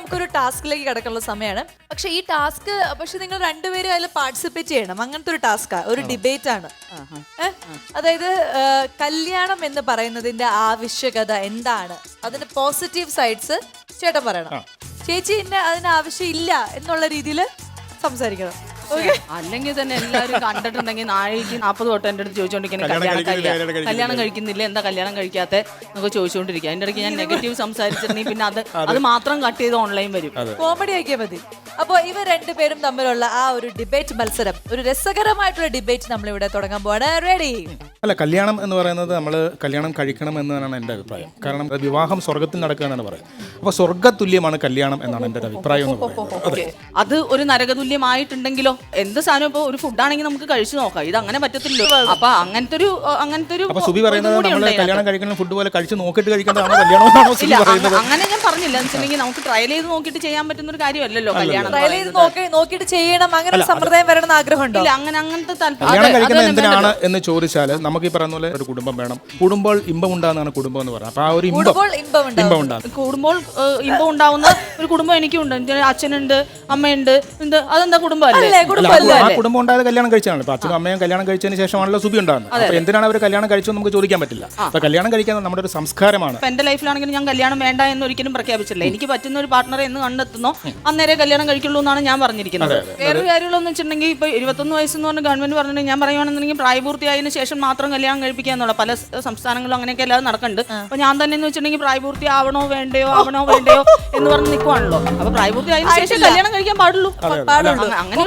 നമുക്കൊരു ടാസ്കിലേക്ക് കിടക്കാനുള്ള സമയമാണ്. പക്ഷെ ഈ ടാസ്ക് പക്ഷെ നിങ്ങൾ രണ്ടുപേരും അതിൽ പാർട്ടിസിപ്പേറ്റ് ചെയ്യണം. അങ്ങനത്തെ ഒരു ടാസ്കാ, ഒരു ഡിബേറ്റ് ആണ്. അതായത് കല്യാണം എന്ന് പറയുന്നതിന്റെ ആവശ്യകത എന്താണ്, അതിന്റെ പോസിറ്റീവ് സൈഡ്സ് ചേട്ടൻ പറയണം, ചേച്ചി അതിന് ആവശ്യം ഇല്ല എന്നുള്ള രീതിയിൽ സംസാരിക്കണം. അല്ലെങ്കിൽ തന്നെ എല്ലാവരും കണ്ടിട്ടുണ്ടെങ്കിൽ 40 തൊട്ട് എൻ്റെ അടുത്ത് ചോദിച്ചോണ്ടിരിക്കുന്നത് കല്യാണം കഴിക്കുന്നില്ല, എന്താ കല്യാണം കഴിക്കാത്ത എന്നൊക്കെ ചോദിച്ചുകൊണ്ടിരിക്കുക. അതിൻ്റെ ഇടയ്ക്ക് ഞാൻ നെഗറ്റീവ് സംസാരിച്ചിട്ടുണ്ടെങ്കിൽ പിന്നെ അത് മാത്രം കട്ട് ചെയ്ത് ഓൺലൈൻ വരും. കോമഡി ആക്കിയാൽ മതി. അപ്പോൾ ഇവർ രണ്ടുപേരും തമ്മിലുള്ള ആ ഒരു ഡിബേറ്റ് മത്സരം, ഒരു രസകരമായിട്ടുള്ള ഡിബേറ്റ് നമ്മളിവിടെ തുടങ്ങാൻ പോവാണ്. റെഡി? അല്ല, കല്യാണം എന്ന് പറയുന്നത് നമ്മൾ കല്യാണം കഴിക്കണം എന്നാണ് എൻ്റെ അഭിപ്രായം. കാരണം വിവാഹം സ്വർഗത്തിൽ നടക്കുക എന്നാണ് പറയുന്നത്. അപ്പോൾ സ്വർഗതുല്യമാണ് കല്യാണം എന്നാണ് എൻ്റെ അഭിപ്രായം. അത് ഒരു നരകതുല്യമായിട്ടുണ്ടെങ്കിലോ എന്ത് സാധനം ഇപ്പൊ ഒരു ഫുഡാണെങ്കിൽ നമുക്ക് കഴിച്ചു നോക്കാം, ഇത് അങ്ങനെ പറ്റത്തില്ലല്ലോ. അപ്പൊ അങ്ങനത്തെ ഒരു സുബി പറയുന്നത് നമ്മൾ കല്യാണം കഴിക്കുന്ന ഫുഡ് പോലെ കഴിച്ച് നോക്കിയിട്ട് കഴിക്കേണ്ടതാണോ കല്യാണം? അങ്ങനെ ഞാൻ പറഞ്ഞില്ല. എന്ന് വെച്ചിട്ടുണ്ടെങ്കിൽ നമുക്ക് ട്രയൽ ചെയ്ത് നോക്കിയിട്ട് ചെയ്യാൻ പറ്റുന്ന ഒരു കാര്യമല്ലല്ലോ കല്യാണം. ട്രയൽ ചെയ്ത് നോക്കിയിട്ട് ചെയ്യണം, അങ്ങനെ ഒരു സമ്പ്രദായം വരണം എന്ന് ആഗ്രഹമുണ്ടോ? അങ്ങനത്തെ കല്യാണം കഴിക്കുന്നത് എന്തിനാണ് എന്ന് ചോദിച്ചാൽ നമുക്ക് ഈ പറയുന്ന പോലെ ഒരു കുടുംബം വേണം. കൂടുമ്പോൾ ഇമ്പം ഉണ്ടാകുന്നതാണ് കുടുംബം എന്ന് പറയുന്നത്. അപ്പൊ ആ ഒരു ഇമ്പം ഉണ്ടാകും. കൂടുമ്പോൾ ഇമ്പം ഉണ്ടാവുന്ന ഒരു കുടുംബം എനിക്കുണ്ട്. അച്ഛനുണ്ട്, അമ്മയുണ്ട്. അതെന്താ കുടുംബം അല്ലേ? ആ കുടുംബം ഉണ്ടായത് കല്യാണം കഴിച്ചാണ്. ഇപ്പൊ അച്ഛനും അമ്മയും കല്യാണം കഴിച്ചതിന് ശേഷമാണല്ലോ സുബി ഉണ്ടാകുന്നത്. അപ്പൊ എന്തിനാണ് അവർ കല്യാണം കഴിച്ചതെന്ന് നമുക്ക് ചോദിക്കാൻ പറ്റില്ല. അപ്പൊ കല്യാണം കഴിക്കാൻ നമ്മുടെ ഒരു സംസ്കാരമാണ്. എന്റെ ലൈഫിലാണെങ്കിൽ ഞാൻ കല്യാണം വേണ്ട എന്ന് ഒരിക്കലും പ്രഖ്യാപിച്ചില്ല. എനിക്ക് പറ്റുന്ന ഒരു പാർട്ണറെ എന്ന് കണ്ടെത്തുന്നോ അന്നേരെ കല്യാണം കഴിക്കുള്ളൂ എന്നാണ് ഞാൻ പറഞ്ഞിരിക്കുന്നത്. വേറൊരു കാര്യങ്ങളെന്ന് വെച്ചിട്ടുണ്ടെങ്കിൽ ഇപ്പൊ 21 വയസ്സെന്ന് പറഞ്ഞ ഗവൺമെന്റ് പറഞ്ഞിട്ടുണ്ടെങ്കിൽ ഞാൻ പറയുവാണെന്നുണ്ടെങ്കിൽ പ്രായപൂർത്തിയായതിനു ശേഷം മാത്രം കല്യാണം കഴിപ്പിക്കാന്നുള്ള പല സംസ്ഥാനങ്ങളും അങ്ങനെയൊക്കെ അല്ലാതെ നടക്കുന്നുണ്ട്. അപ്പൊ ഞാൻ തന്നെ എന്ന് വെച്ചിട്ടുണ്ടെങ്കിൽ പ്രായപൂർത്തി ആവണോ വേണ്ടയോ എന്ന് പറഞ്ഞ് നിൽക്കുവാണല്ലോ. അപ്പൊ പ്രായപൂർത്തിയായതിനു ശേഷം കല്യാണം കഴിക്കാൻ പാടുള്ളൂ. അങ്ങനെ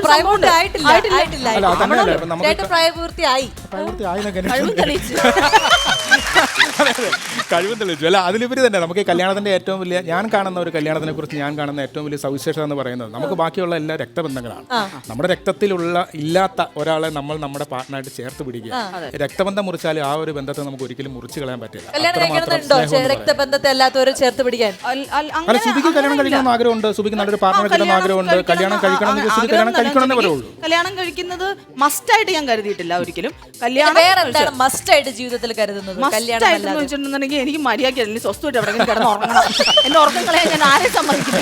കഴിവും തെളിയിച്ചു. അല്ല, അതിലുപരി തന്നെ നമുക്ക് കല്യാണത്തിന്റെ ഏറ്റവും വലിയ ഞാൻ കാണുന്ന ഒരു കല്യാണത്തിനെ കുറിച്ച് ഞാൻ കാണുന്ന ഏറ്റവും വലിയ സവിശേഷത എന്ന് പറയുന്നത് നമുക്ക് ബാക്കിയുള്ള എല്ലാ രക്തബന്ധങ്ങളാണ്. നമ്മുടെ രക്തത്തിലുള്ള ഇല്ലാത്ത ഒരാളെ നമ്മൾ നമ്മുടെ പാർട്ട്ണറായിട്ട് ചേർത്ത് പിടിക്കുക. രക്തബന്ധം മുറിച്ചാൽ ആ ഒരു ബന്ധത്തെ നമുക്ക് ഒരിക്കലും മുറിച്ച് കളയാൻ പറ്റില്ല. രക്തബന്ധത്തെ അല്ലാത്തവരെ ചേർത്ത് പിടിക്കാൻ. അല്ല, സുബിക്ക് കല്യാണം കഴിക്കണമെന്ന് ആഗ്രഹമുണ്ട്, സുബിക്ക് നല്ലൊരു പാർട്ട്ണറെ കിട്ടുന്ന ആഗ്രഹമുണ്ട്. കല്യാണം കഴിക്കണമെങ്കിൽ സുബി കല്യാണം കഴിക്കണമെന്നേ പറയുള്ളൂ. കല്യാണം കഴിക്കുന്നത് മസ്റ്റായിട്ട് ഞാൻ കരുതിയിട്ടില്ല ഒരിക്കലും. കല്യാണം മസ്റ്റായിട്ട് ജീവിതത്തിൽ കരുതുന്നത് വെച്ചിട്ടുണ്ടെങ്കിൽ എനിക്ക് മര്യാദ സ്വസ്ഥമായിട്ട് എവിടെയെങ്കിലും കിടന്ന് ഉറങ്ങണം. എന്റെ ഉറക്കം കളയാൻ ഞാൻ ആരെ സമ്മതിക്കില്ല.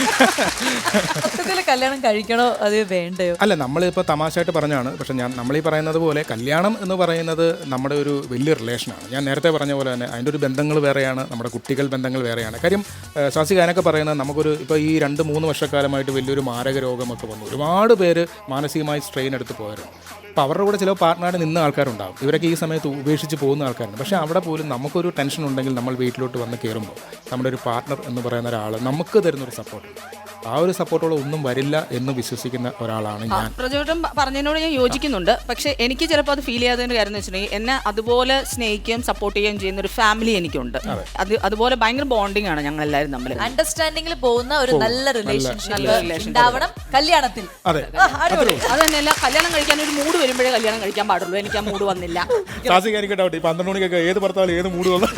കല്യാണം കഴിക്കണോ അത് വേണ്ടയോ? അല്ല, നമ്മളിപ്പോൾ തമാശയായിട്ട് പറഞ്ഞാണ്. പക്ഷെ നമ്മളീ പറയുന്നത് പോലെ കല്യാണം എന്ന് പറയുന്നത് നമ്മുടെ ഒരു വലിയ റിലേഷനാണ്. ഞാൻ നേരത്തെ പറഞ്ഞ പോലെ തന്നെ അതിൻ്റെ ഒരു ബന്ധങ്ങൾ വേറെയാണ്, നമ്മുടെ കുട്ടികൾ ബന്ധങ്ങൾ വേറെയാണ്. കാര്യം ശാസികാനൊക്കെ പറയുന്നത് നമുക്കൊരു ഇപ്പോൾ ഈ 2-3 വർഷക്കാലമായിട്ട് വലിയൊരു മാരക രോഗമൊക്കെ വന്നു. ഒരുപാട് പേര് മാനസികമായി സ്ട്രെയിൻ എടുത്ത് പോയവരാണ്. അപ്പോൾ അവരുടെ കൂടെ ചില പാർട്ട്ണറായിട്ട് നിന്ന ആൾക്കാരുണ്ടാകും. ഇവരൊക്കെ ഈ സമയത്ത് ഉപേക്ഷിച്ച് പോകുന്ന ആൾക്കാരുണ്ട്. പക്ഷേ അവിടെ പോലും നമുക്കൊരു ടെൻഷൻ ഉണ്ടെങ്കിൽ നമ്മൾ വീട്ടിലോട്ട് വന്ന് കയറുമ്പോൾ നമ്മുടെ ഒരു പാർട്ട്ണർ എന്ന് പറയുന്ന ഒരാൾ നമുക്ക് തരുന്നൊരു സപ്പോർട്ട്, ആ ഒരു സപ്പോർട്ടോടെ ഒന്നും വരില്ല എന്ന് വിശ്വസിക്കുന്ന ഒരാളാണ് ഞാൻ. പ്രചോദനം പറഞ്ഞതിനോട് ഞാൻ യോജിക്കുന്നുണ്ട്. പക്ഷേ എനിക്ക് ചിലപ്പോൾ അത് ഫീൽ ചെയ്യാത്തതിൻ്റെ കാര്യം എന്ന് വെച്ചിട്ടുണ്ടെങ്കിൽ എന്നെ അതുപോലെ സ്നേഹിക്കുകയും സപ്പോർട്ട് ചെയ്യുകയും ചെയ്യുന്ന ഒരു ഫാമിലി എനിക്കുണ്ട്. അതുപോലെ ഭയങ്കര ബോണ്ടിങ് ആണ് ഞങ്ങൾ എല്ലാവരും തമ്മിൽ. അണ്ടർസ്റ്റാൻഡിംഗിൽ പോകുന്ന ഒരു നല്ല റിലേഷൻഷിപ്പ് ഉണ്ടാവണം കല്യാണത്തിൽ. അതെ, അത് തന്നെയല്ല, കല്യാണം കഴിക്കാൻ ഒരു മൂഡ് വരുമ്പോഴേ കല്യാണം കഴിക്കാൻ പാടുള്ളൂ. എനിക്ക് ആ മൂഡ് വന്നില്ല. 12 മണിക്കൊക്കെ ഏത് ഭർത്താവിലും ഏത് മൂഡ് വന്നു.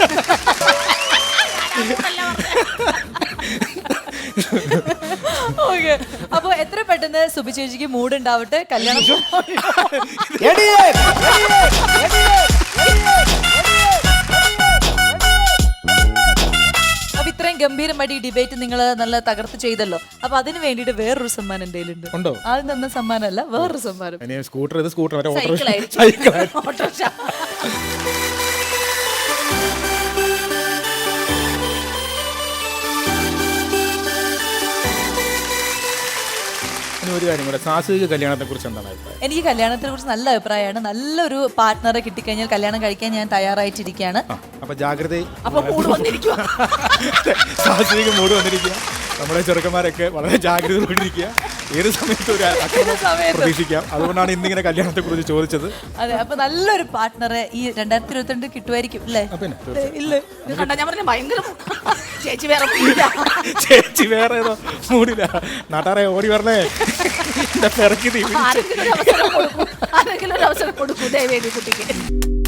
അപ്പൊ എത്ര പെട്ടെന്ന് സുബി ചേച്ചിക്ക് മൂഡ് ഉണ്ടാവട്ടെ. കല്യാണം അപ്പൊ ഇത്രയും ഗംഭീരമായിട്ട് ഈ ഡിബേറ്റ് നിങ്ങൾ നല്ല തകർത്ത് ചെയ്തല്ലോ. അപ്പൊ അതിന് വേണ്ടിട്ട് വേറൊരു സമ്മാനം എന്റെ കയ്യിലുണ്ട്. ആദ്യം തന്ന സമ്മാനമല്ല, വേറൊരു സമ്മാനം. Scooter autorickshaw. ഒരു കാര്യം കൂടെ, സാഹസിക കല്യാണത്തെ കുറിച്ച് എന്താണ് അഭിപ്രായം? എനിക്ക് കല്യാണത്തിനെ കുറിച്ച് നല്ല അഭിപ്രായമാണ്. നല്ലൊരു പാർട്ട്ണറെ കിട്ടിക്കഴിഞ്ഞാൽ കല്യാണം കഴിക്കാൻ ഞാൻ തയ്യാറായിട്ടിരിക്കുകയാണ്. അപ്പൊ ജാഗ്രത, സാഹസിക മൂഡ് വന്നിരിക്കുക. നമ്മുടെ ചെറുക്കന്മാരൊക്കെ വളരെ ജാഗ്രതയോടിരിക്കുക. ഏത് സമയത്ത് ഒരു പ്രതീക്ഷിക്കാം. അതുകൊണ്ടാണ് ഇന്നിങ്ങനെ കല്യാണത്തെ കുറിച്ച് ചോദിച്ചത്. അതെ, അപ്പൊ നല്ലൊരു പാർട്ട്ണറെ ഈ 2022 കിട്ടുമായിരിക്കും അല്ലേ? ചേച്ചി വേറെ ഏതോ മൂടില്ല. നാട്ടാറെ ഓടി വരണേ. ആരെങ്കിലും ഒരു അവസരം കൊടുക്കൂ ദയവേദി കുട്ടിക്ക്.